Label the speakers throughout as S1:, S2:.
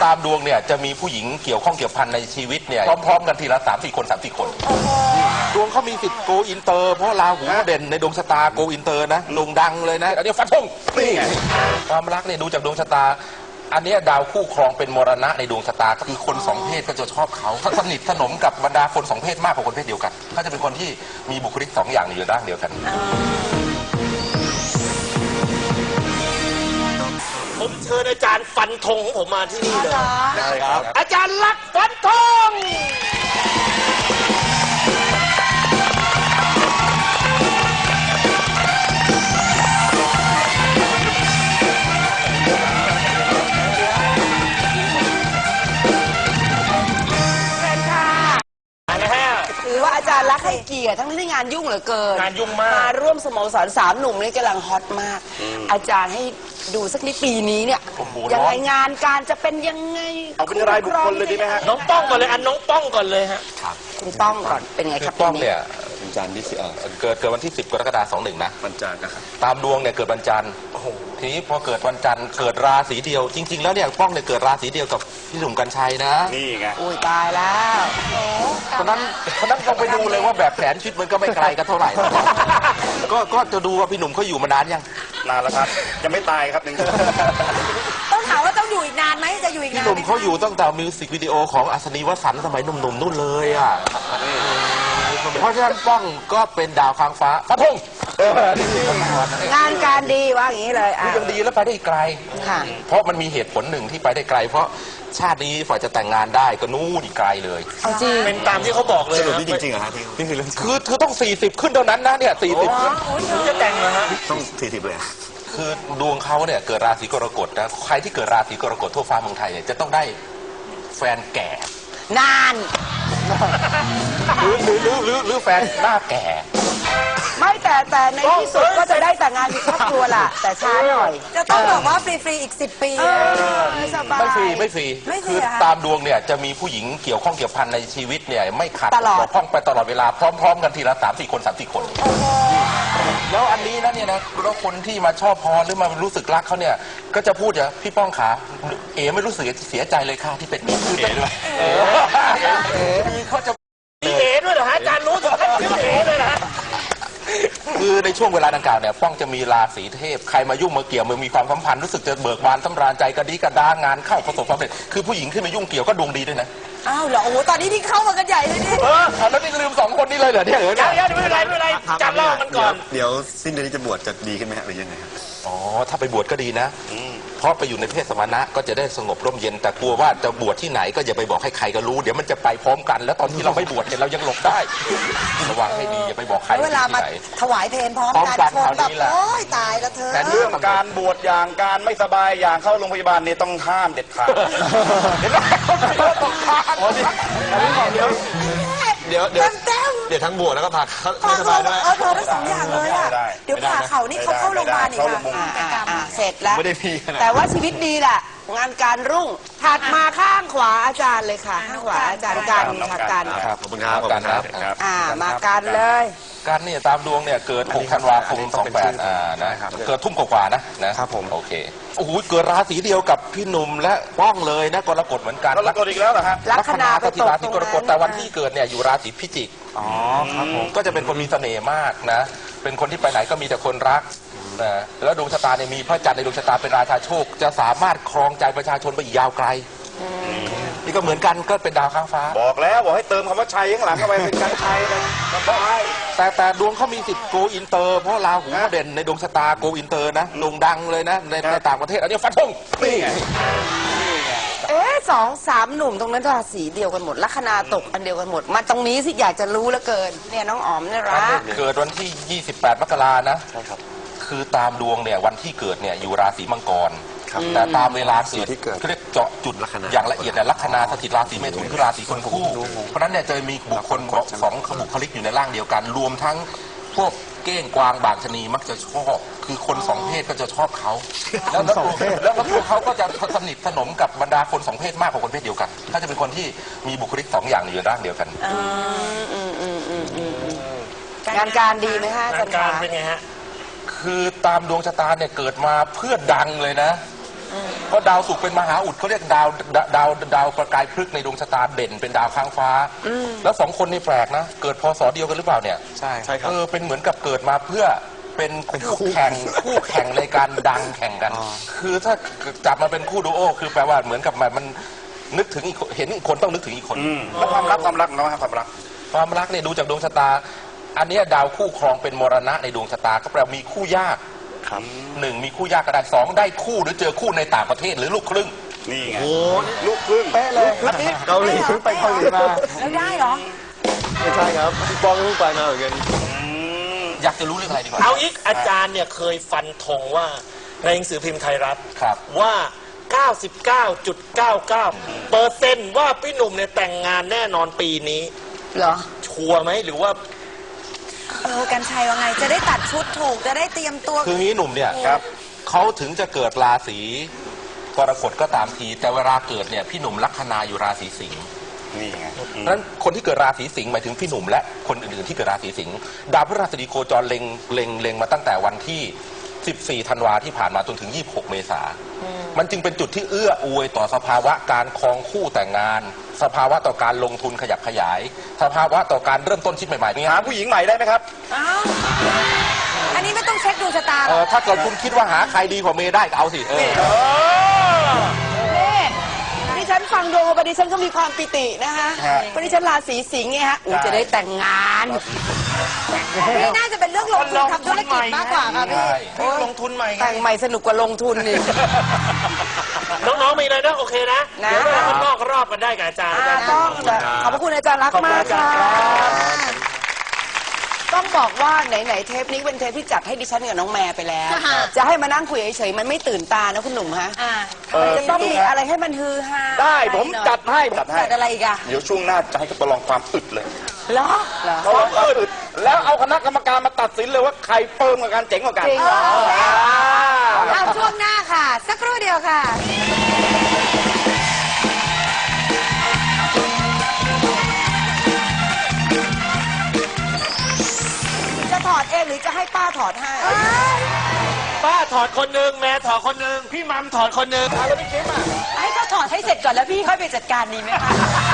S1: ตามดวงเนี่ยจะมีผู้หญิงเกี่ยวข้องเกี่ยวพันในชีวิตเนี่ยพร้อมๆกันทีละ3-4 คน3-4 คนดวงเขามีสิทธิ์โกอินเตอร์เพราะราหูเด่นในดวงชะตาโกอินเตอร์นะโด่งดังเลยนะอันนี้ฟันธงนี่ความรักเนี่ยดูจากดวงชะตาอันนี้ดาวคู่ครองเป็นมรณะในดวงชะตาก็คือคนสองเพศก็จะชอบเขาสนิทสนมกับบรรดาคนสองเพศมากกว่าคนเพศเดียวกันเขาจะเป็นคนที่มีบุคลิก2 อย่างอยู่ด้านเดียวกัน
S2: ผมเชิญอาจารย์ฟันธงของผมมาที่นี่เลย
S1: ได้ครับ
S2: อาจารย์ลักษณ์ฟันธง
S3: ถือว่าอาจารย์รักให้เกียรติทั้งที่งานยุ่งเหลือเกิน
S2: งานยุ่งมาก
S3: มาร่วมสโมสร3 หนุ่มนี่กำลังฮอตมากอาจารย์ให้ดูสักนิดปีนี้เนี่ยยังไงงานการจะเป็นยังไง
S2: เอาเป็นรายบุคคลเลยดีไหมฮะน้องป้องก่อนเลยน้องป้องก่อนเลยฮะ
S3: คุณป้องก่อนเป็นไงครับ
S1: ป้องเนี่ย
S4: วันจันทร์ที่
S1: เกิดวันที่10 กรกฎาคม 21นะ
S4: วันจันทร์นะครับ
S1: ตามดวงเนี่ยเกิดวันจันทร์ทีนี้พอเกิดวันจันทร์เกิดราศีเดียวจริงๆแล้วเนี่ยป้องเนี่ยเกิดราศีเดียวกับพี่หนุ่มกรรชัยนะ
S4: นี่ไง
S3: อุ้ยตายแล้ว
S1: เพราะนั้นต้องไปดูเลยว่าแบบแผนชีวิตมันก็ไม่ไกลกันเท่าไหร่ก็จะดูว่าพี่หนุ่มเขาอยู่มานานยัง
S4: นานแล้วครับยังไม่ตายครับ
S3: ต้องถามว่าต้องอยู่อีกนานไหมจะอยู่อีกนาน
S1: พี่หนุ่มเขาอยู่ตั้งแต่มิวสิกวิดีโอของอัศนีวสันต์สมัยหนุ่มๆนู่นเลยอ่ะเพราะฉะนั้นป้องก็เป็นดาวค้างฟ้าฟันธง
S3: งานการดีว่าอย่างนี้เลย
S1: ยังดีแล้วไปได้ไกลเพราะมันมีเหตุผลหนึ่งที่ไปได้ไกลเพราะชาตินี้ฝ่ายจะแต่งงานได้ก็นู่นอีกไกลเลย
S3: จริง
S2: เป็นตามที่เขาบอกเลย
S4: สรุปนี่จริงๆเหรอฮะที่คือเรื่อง
S1: คือต้อง40ขึ้นเท่านั้นนะเนี่ย40ขึ้น
S2: จะแต่งเหรอฮะ
S4: ต้อง40เลย
S1: คือดวงเขาเนี่ยเกิดราศีกรกฎนะใครที่เกิดราศีกรกฎทั่วฟ้าเมืองไทยเนี่ยจะต้องได้แฟนแก่
S3: นาน
S1: หรือแฟนหน้าแก่
S3: ไม่แต่ในที่สุดก็จะได้แต่งงานมีครอบครัวล่ะแต่ช้าหน่อย
S5: จะต้องบอกว่าฟรีๆอีก10 ปี
S1: ไม่ฟรีคือตามดวงเนี่ยจะมีผู้หญิงเกี่ยวข้องเกี่ยวพันในชีวิตเนี่ยไม่ขาดตกบกพร่องไปตลอดเวลาพร้อมๆกันทีละ3-4 คน3-4 คนแล้วอันนี้นะเนี่ยนะแล้วคนที่มาชอบพอหรือมารู้สึกรักเขาเนี่ยก็จะพูดอย่างพี่ป้องขาไม่รู้สึกเสียใจเลยค่ะที่เป็นเอ๋ด้วยเขาจะ
S2: มีเอ๋ด้วยเหรอฮะอาจารย์รู้ถึงขั้นชื่อเอ๋เลยนะ
S1: คือในช่วงเวลาดังกล่าวเนี่ยป้องจะมีราศีเทพใครมายุ่งมาเกี่ยวมันมีความสัมพันธ์รู้สึกจะเบิกบานสำราญใจกระดีกระดางานเข้าประสบความสำเร็จคือผู้หญิงขึ้นมายุ่งเกี่ยวก็ดวงดีด้วยนะ
S3: อ้าวเหรอโอ้ตอนนี้ที่เข้ามากันใหญ่เลยนี่
S1: แล้วนี่ลืม2 คนนี้เลยเหรอเนี่ย
S2: เดี๋ยวไม่เป็นไรจับเล่ามันก่อน
S4: เดี๋ยวสิ้นเดือนนี้จะบวชจะดีขึ้นไหมฮะหรือยังไงครับ
S1: ถ้าไปบวชก็ดีนะเพราะไปอยู่ในเพศสมณะก็จะได้สงบร่มเย็นแต่กลัวว่าจะบวชที่ไหนก็อย่าไปบอกให้ใครก็รู้เดี๋ยวมันจะไปพร้อมกันแล้วตอนที่เราไม่บวชเนี่ยเรายังหลบได้ระวังให้ดีอย่าไปบอกใคร
S3: เวลามาถวายเพลพร้อมกันคนแบบโอ๊ยตายแล้วเธอ
S4: แต่เรื่องการบวชอย่างการไม่สบายอย่างเข้าโรงพยาบาลนี่ต้องห้ามเด็ดขาดเห็นไหมต้องห้ามเดี๋ยวทั้งบวชแล้วก็พาไม่สบายด้วย
S3: พาทั้ง2 อย่างเลยอ่ะเดี๋ยวพาเขานี่เขาเข้าโรงพยาบาลอีกเสร็จแล้วแต่ว่าชีวิตดีแหละงานการรุ่งถัดมาข้างขวาอาจารย์เลยค่ะข้างขวาอาจารย์กัน
S4: ครับขอบคุณครับ
S3: มากันเลย
S1: การเนี่ยตามดวงเนี่ยเกิด6 ธันวาคม 28นะครับเกิดทุ่มกว่าๆนะครับ
S4: ผม
S1: โอเคโอ้โหเกิดราศีเดียวกับพี่หนุ่มและป้องเลยนะกรกฎเหมือนกัน
S4: กรกฎอีกแล้วเหรอฮะ
S1: ลัคนาสถิตราศีกรกฎแต่วันที่เกิดเนี่ยอยู่ราศีพิจิก
S4: ครับผม
S1: ก็จะเป็นคนมีเสน่ห์มากนะเป็นคนที่ไปไหนก็มีแต่คนรักนะแล้วดวงชะตาเนี่ยมีพระจันทร์ในดวงชะตาเป็นราชาโชคจะสามารถครองใจประชาชนไปอีกยาวไกลนี่ก็เหมือนกันก็เป็นดาวค้างฟ้า
S4: บอกให้เติมคำว่าชัยข้างหลังเข้าไปเป็นการชัยนะ
S1: แต่ดวงเขามีสิทธิ์โกอินเตอร์เพราะราหูเด่นในดวงชะตาโกอินเตอร์นะโด่งดังเลยนะในต่างประเทศอันนี้ฟันธงนี่ไง
S3: 2-3 หนุ่มตรงนั้นราศีเดียวกันหมดลัคนาตกอันเดียวกันหมดมาตรงนี้สิอยากจะรู้เหลือเกินเนี่ยน้องอ๋อมเนี่ยรัก
S1: เกิดวันที่28 มกรานะใช่ครับคือตามดวงเนี่ยวันที่เกิดเนี่ยอยู่ราศีมังกรแต่ตามเวลาเกิดเขาเรียกเจาะจุดอย่างละเอียดเนี่ยลัคนาสถิตราศีเมถุนคือราศีคนคู่เพราะนั้นเนี่ยจะมีบุคคล2 บุคลิกอยู่ในร่างเดียวกันรวมทั้งพวกเก้งกวางบางชนีมักจะชอบคือคน2 เพศก็จะชอบเขาแล้วตัวเขาก็จะสนิทสนมกับบรรดาคน2 เพศมากกว่าคนเพศเดียวกันเขาจะเป็นคนที่มีบุคลิก2 อย่างอยู่ร่างเดียวกัน
S3: งานการดีไหมฮะ
S2: งานการเป็นไงฮะ
S1: คือตามดวงชะตาเนี่ยเกิดมาเพื่อดังเลยนะเพราะดาวศุกร์เป็นมหาอุดเขาเรียกดาวประกายพฤกษ์ในดวงชะตาเด่นเป็นดาวค้างฟ้าแล้ว2 คนนี่แปลกนะเกิดพศเดียวกันหรือเปล่าเนี่ยใช่ครับเป็นเหมือนกับเกิดมาเพื่อเป็นคู่แข่งในการดังแข่งกันคือถ้าจับมาเป็นคู่ดูโอคือแปลว่าเหมือนกับมันนึกถึงอีกเห็นอีกคนต้องนึกถึงอีกคน
S4: แล้วความรักเนาะความรัก
S1: เนี่ยดูจากดวงชะตาอันนี้ดาวคู่ครองเป็นมรณะในดวงชะตาก็แปลมีคู่ยาก1มีคู่ยากก็ได้2ได้คู่หรือเจอคู่ในต่างประเทศหรือลูกครึ่ง
S4: นี่ไงโอ้ลูกครึ่ง
S5: เป๊ะเลย
S2: เกาหลีไปเกาหลีมา
S5: แล้วได้เหรอ
S2: ไม่ใช่ครับพี่ปองเพิ่งไปมาเหมือนกัน
S1: อยากจะรู้เรื่องอะไรดีกว่า
S2: เอาอีกอาจารย์เนี่ยเคยฟันธงว่าในหนังสือพิมพ์ไทยรัฐว่า 99.99% ว่าพี่หนุ่มเนี่ยแต่งงานแน่นอนปีนี้
S3: เหรอ
S2: ชัวร์ไหมหรือว่า
S5: กันชัยว่าไงจะได้ตัดชุดถูกจะได้เตรียมตัว
S1: คืองี้หนุ่มเนี่ยเขาถึงจะเกิดราศีกรกฎก็ตามทีแต่เวลาเกิดเนี่ยพี่หนุ่มลัคนาอยู่ราศีสิงห์
S4: นี่ไง
S1: นั้นคนที่เกิดราศีสิงห์หมายถึงพี่หนุ่มและคนอื่นๆที่เกิดราศีสิงห์ดาวพฤหัสบดีโคจรเล็งมาตั้งแต่วันที่14 ธันวาที่ผ่านมาจนถึง26 เมษามันจึงเป็นจุดที่เอื้ออวยต่อสภาวะการครองคู่แต่งงานสภาวะต่อการลงทุนขยับขยายสภาวะต่อการเริ่มต้นชีวิตใหม่ๆ
S4: หาผู้หญิงใหม่ได้ไหมครับ
S5: อันนี้ไม่ต้องเช็คดวงชะตาหรอ
S1: ถ้าเกิดคุณคิดว่าหาใครดีกว่าเมย์ได้ก็เอาสิ
S3: ดิฉันฟังดวงมาดิฉันก็มีความปิตินะคะเพราะดิฉันราศีสิงห์ไงฮะจะได้แต่งงาน
S5: นี่น่าจะเป็นเรื่องลงทุนทำธุรกิจมากกว่าค่ะพี่
S2: ลงทุนใหม่
S3: แต่งใหม่สนุกกว่าลงทุนนี่
S2: น้องๆมีเลยนะโอเคนะเดี๋ยวเราข้างนอกรอบกันได้กับอาจารย์
S3: ต้องขอบพระคุณอาจารย์รักมากค่ะต้องบอกว่าไหนๆเทปนี้เป็นเทปที่จัดให้ดิฉันกับน้องแม่ไปแล้วจะให้มานั่งคุยเฉยๆมันไม่ตื่นตานะคุณหนุ่มฮะจะต้องมีอะไรให้มันฮือฮา
S4: ได้ผมจัดให้
S3: จัดอะไรอีกอะ
S4: เดี๋ยวช่วงหน้าจะให้เขาประลองความอึดเลย
S3: เหรอ
S4: ความอึดแล้วเอาคณะกรรมการมาตัดสินเลยว่าใครเปิ่มกว่ากันเจ๋งกว่ากัน
S5: เอาช่วงหน้าค่ะสักครู่เดียวค่ะถอดเองหรือจะให้ป้าถอดให้
S2: ป้าถอดคนหนึ่งแม่ถอดคนหนึ่งพี่มัมถอดคนหนึ่ง
S4: แล้วพี่คิม
S5: ให้เขาถอดให้เสร็จก่อนแล้วพี่ค่อยไปจัดการดีไหมคะ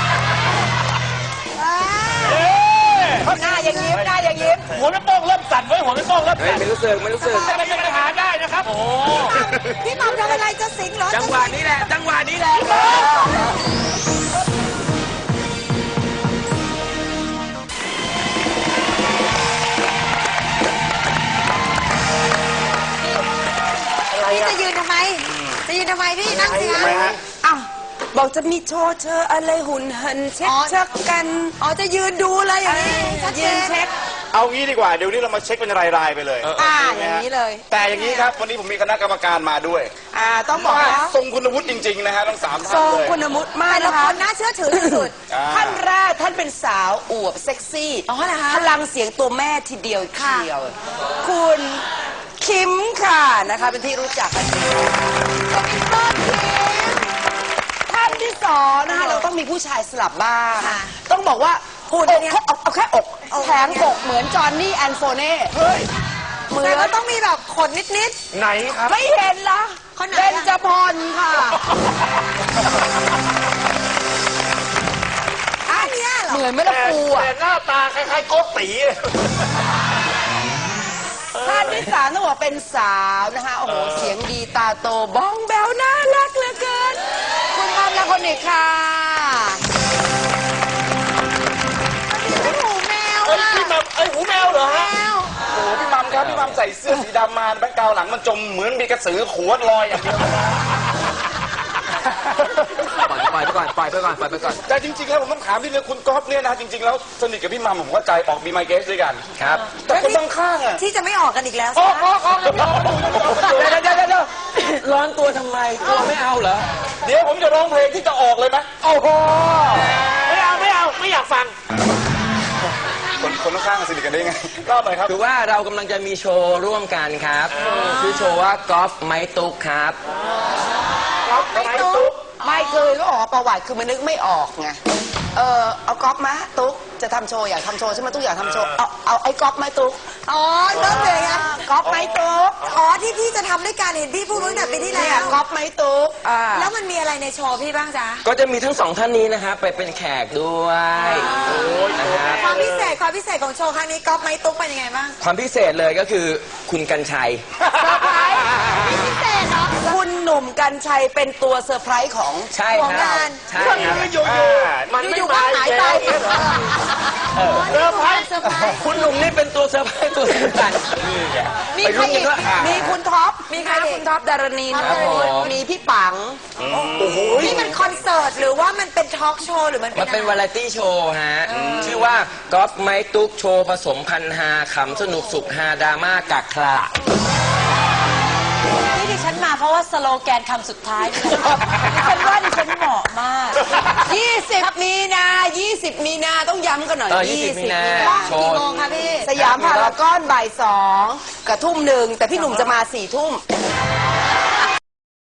S5: หน้าอย่างยิ้มหน้าอย่างยิ้ม
S2: หัวไม่โป้งเริ่มสั่นไว้หัวไม่โป้งเริ่มสั่น
S4: ไม่รู้สึกไม่
S2: เป็นปัญหาได้นะครับโอ้
S5: พี่มัมทำอะไรจะสิงเหรอ
S2: จังหวะนี้แหละจังหวะนี้แหละ
S5: พี่จะยืนทำไมพี่นั่งสิคะ
S3: อ้าวบอกจะมีโชว์เธออะไรหุ่นหันเช็คชักกัน
S5: จะยืนดูเลยอย่างนี้
S3: ยืนเช็ค
S4: เอางี้ดีกว่าเดี๋ยวนี้เรามาเช็คเป็นรายๆไปเลย
S3: อย่างนี้เลย
S4: แต่อย่างนี้ครับวันนี้ผมมีคณะกรรมการมาด้วย
S3: ต้องบอกว่า
S4: ทรงคุณวุฒิจริงๆนะฮะทั้ง3 ท่านเลย
S3: ทรงคุณวุฒิมาก
S5: นะคะน่าเชื่อถือที่สุด
S3: ท่านแรกท่านเป็นสาวอวบเซ็กซี่พลังเสียงตัวแม่ทีเดียวเชียวคุณคิมค่ะนะคะเป็นที่รู้จักกันดีท่านที่2นะคะเราต้องมีผู้ชายสลับบ้างต้องบอกว่าหุ่นเนี่ยเอาแค่อกแถมอกเหมือนจอห์นนี่แอนโฟเน่
S5: เหมือนก็ต้องมีแบบขนนิด
S2: ไหนครับ
S3: ไม่เห็นละเบญจพรค่ะ
S5: อันนี้เหรอ
S3: เหมือนไม่ละปูอ่ะ
S2: แต่หน้าตาคล้ายๆโกตี
S3: ท่านที่3ต้องบอกเป็นสาวนะคะโอ้โหเสียงดีตาโตบ้องแบวน่ารักเหลือเกินคุณมัมและคนนี้ค่ะ
S5: หูแมว
S2: พี่มัมหูแมวเหรอฮะ
S4: โอ้พี่มัมครับพี่มัมใส่เสื้อสีดำมาแบ็คกราวด์หลังมันจมเหมือนมีกระสือขวดลอยอย่างเดียว
S2: ปล่อยไปก่อน
S4: แต่จริงๆแล้วผมต้องถามที่เรื่องคุณก๊อฟเนี่ยนะจริงๆแล้วสนิทกับพี่มัมผมเข้าใจออกบีไมเกสด้วยกัน
S2: ครับ
S4: แต่คนบางข้างอะ
S5: ที่จะไม่ออกกันอีกแล้ว
S2: ออกเดี๋ยวร้อนตัวทำไมตัวไม่เอาเหรอ
S4: เดี๋ยวผมจะร้องเพลงที่จะออกเลยไหม
S2: โอ้โหไม่เอาไม่อยากฟัง
S4: คนข้างสนิทกันได้ไงเล่าหน่อยครับ
S6: คือว่าเรากำลังจะมีโชว์ร่วมกันครับชื่อโชว์ว่ากอล์ฟไม้ตุ๊กครับ
S3: ไม่เคยก็ออกประวัติคือมันนึกไม่ออกไงเอาก๊อฟมาตุ๊กจะทำโชว์อยากทำโชว์ใช่ไหมตุ๊กอยากทำโชว์เอาไอ้ก๊อฟไหมตุ๊ก
S5: อ๋อเริ่มเลยนะ
S3: ก๊อฟไหมตุ๊ก
S5: อ๋อที่พี่จะทำด้วยกันเห็นพี่พูดตั้งแต่ปีที่
S3: เนี่
S5: แล้
S3: ยว ก๊อฟไหมตุ๊ก
S5: แล้วมันมีอะไรในโชว์พี่บ้างจ๊ะ
S6: ก็จะมีทั้งสองท่านนี้นะครับไปเป็นแขกด้วยนะครับ
S5: ความพิเศษของโชว์ครั้งนี้ก๊อฟไม้ตุ๊กเป็นยังไงบ้าง
S6: ความพิเศษเลยก็คือคุณกัญชัย
S5: พิเศษเหรอ
S3: คุณหนุ่มกัญชัยเป็นตัวเซอร์ไพรส์ของ
S6: ใช่ครับ
S5: ของงาน
S6: ใช่ครับ
S5: อยู่ๆก็หายไป
S4: เซอร์ไพรส์
S6: คุณหนุ่มนี่เป็นตัวเซอร์ไพรส์ตัวสำคัญ
S3: มีใครอีกมีคุณท็อปมีใครคุณท็อปดารณี
S6: ครับผม
S3: มีพี่ปัง
S5: นี่มันคอนเสิร์ตหรือว่ามันเป็นทอล์กโชว์หรือมัน
S6: มันเป็น
S5: อะไร
S6: วาไรตี้โชว์ฮะ ชื่อว่ากอล์ฟไม้ตุ๊กโชว์ผสมพันฮาขำสนุกสุขฮาดราม่ากักคลา
S5: ที่ดิฉันมาเพราะว่าสโลแกนคำสุดท้ายนี่แหละดิฉันว่าดิฉันเหมาะมาก
S3: 20 มีนาต้องย้ำกันหน่อย
S6: 20 มีนา โช
S5: กี่
S6: ว์
S5: โมงคะพี่
S3: สยามพารากอนบ่าย2กับทุ่ม 1แต่พี่หนุ่มจะมา4 ทุ่ม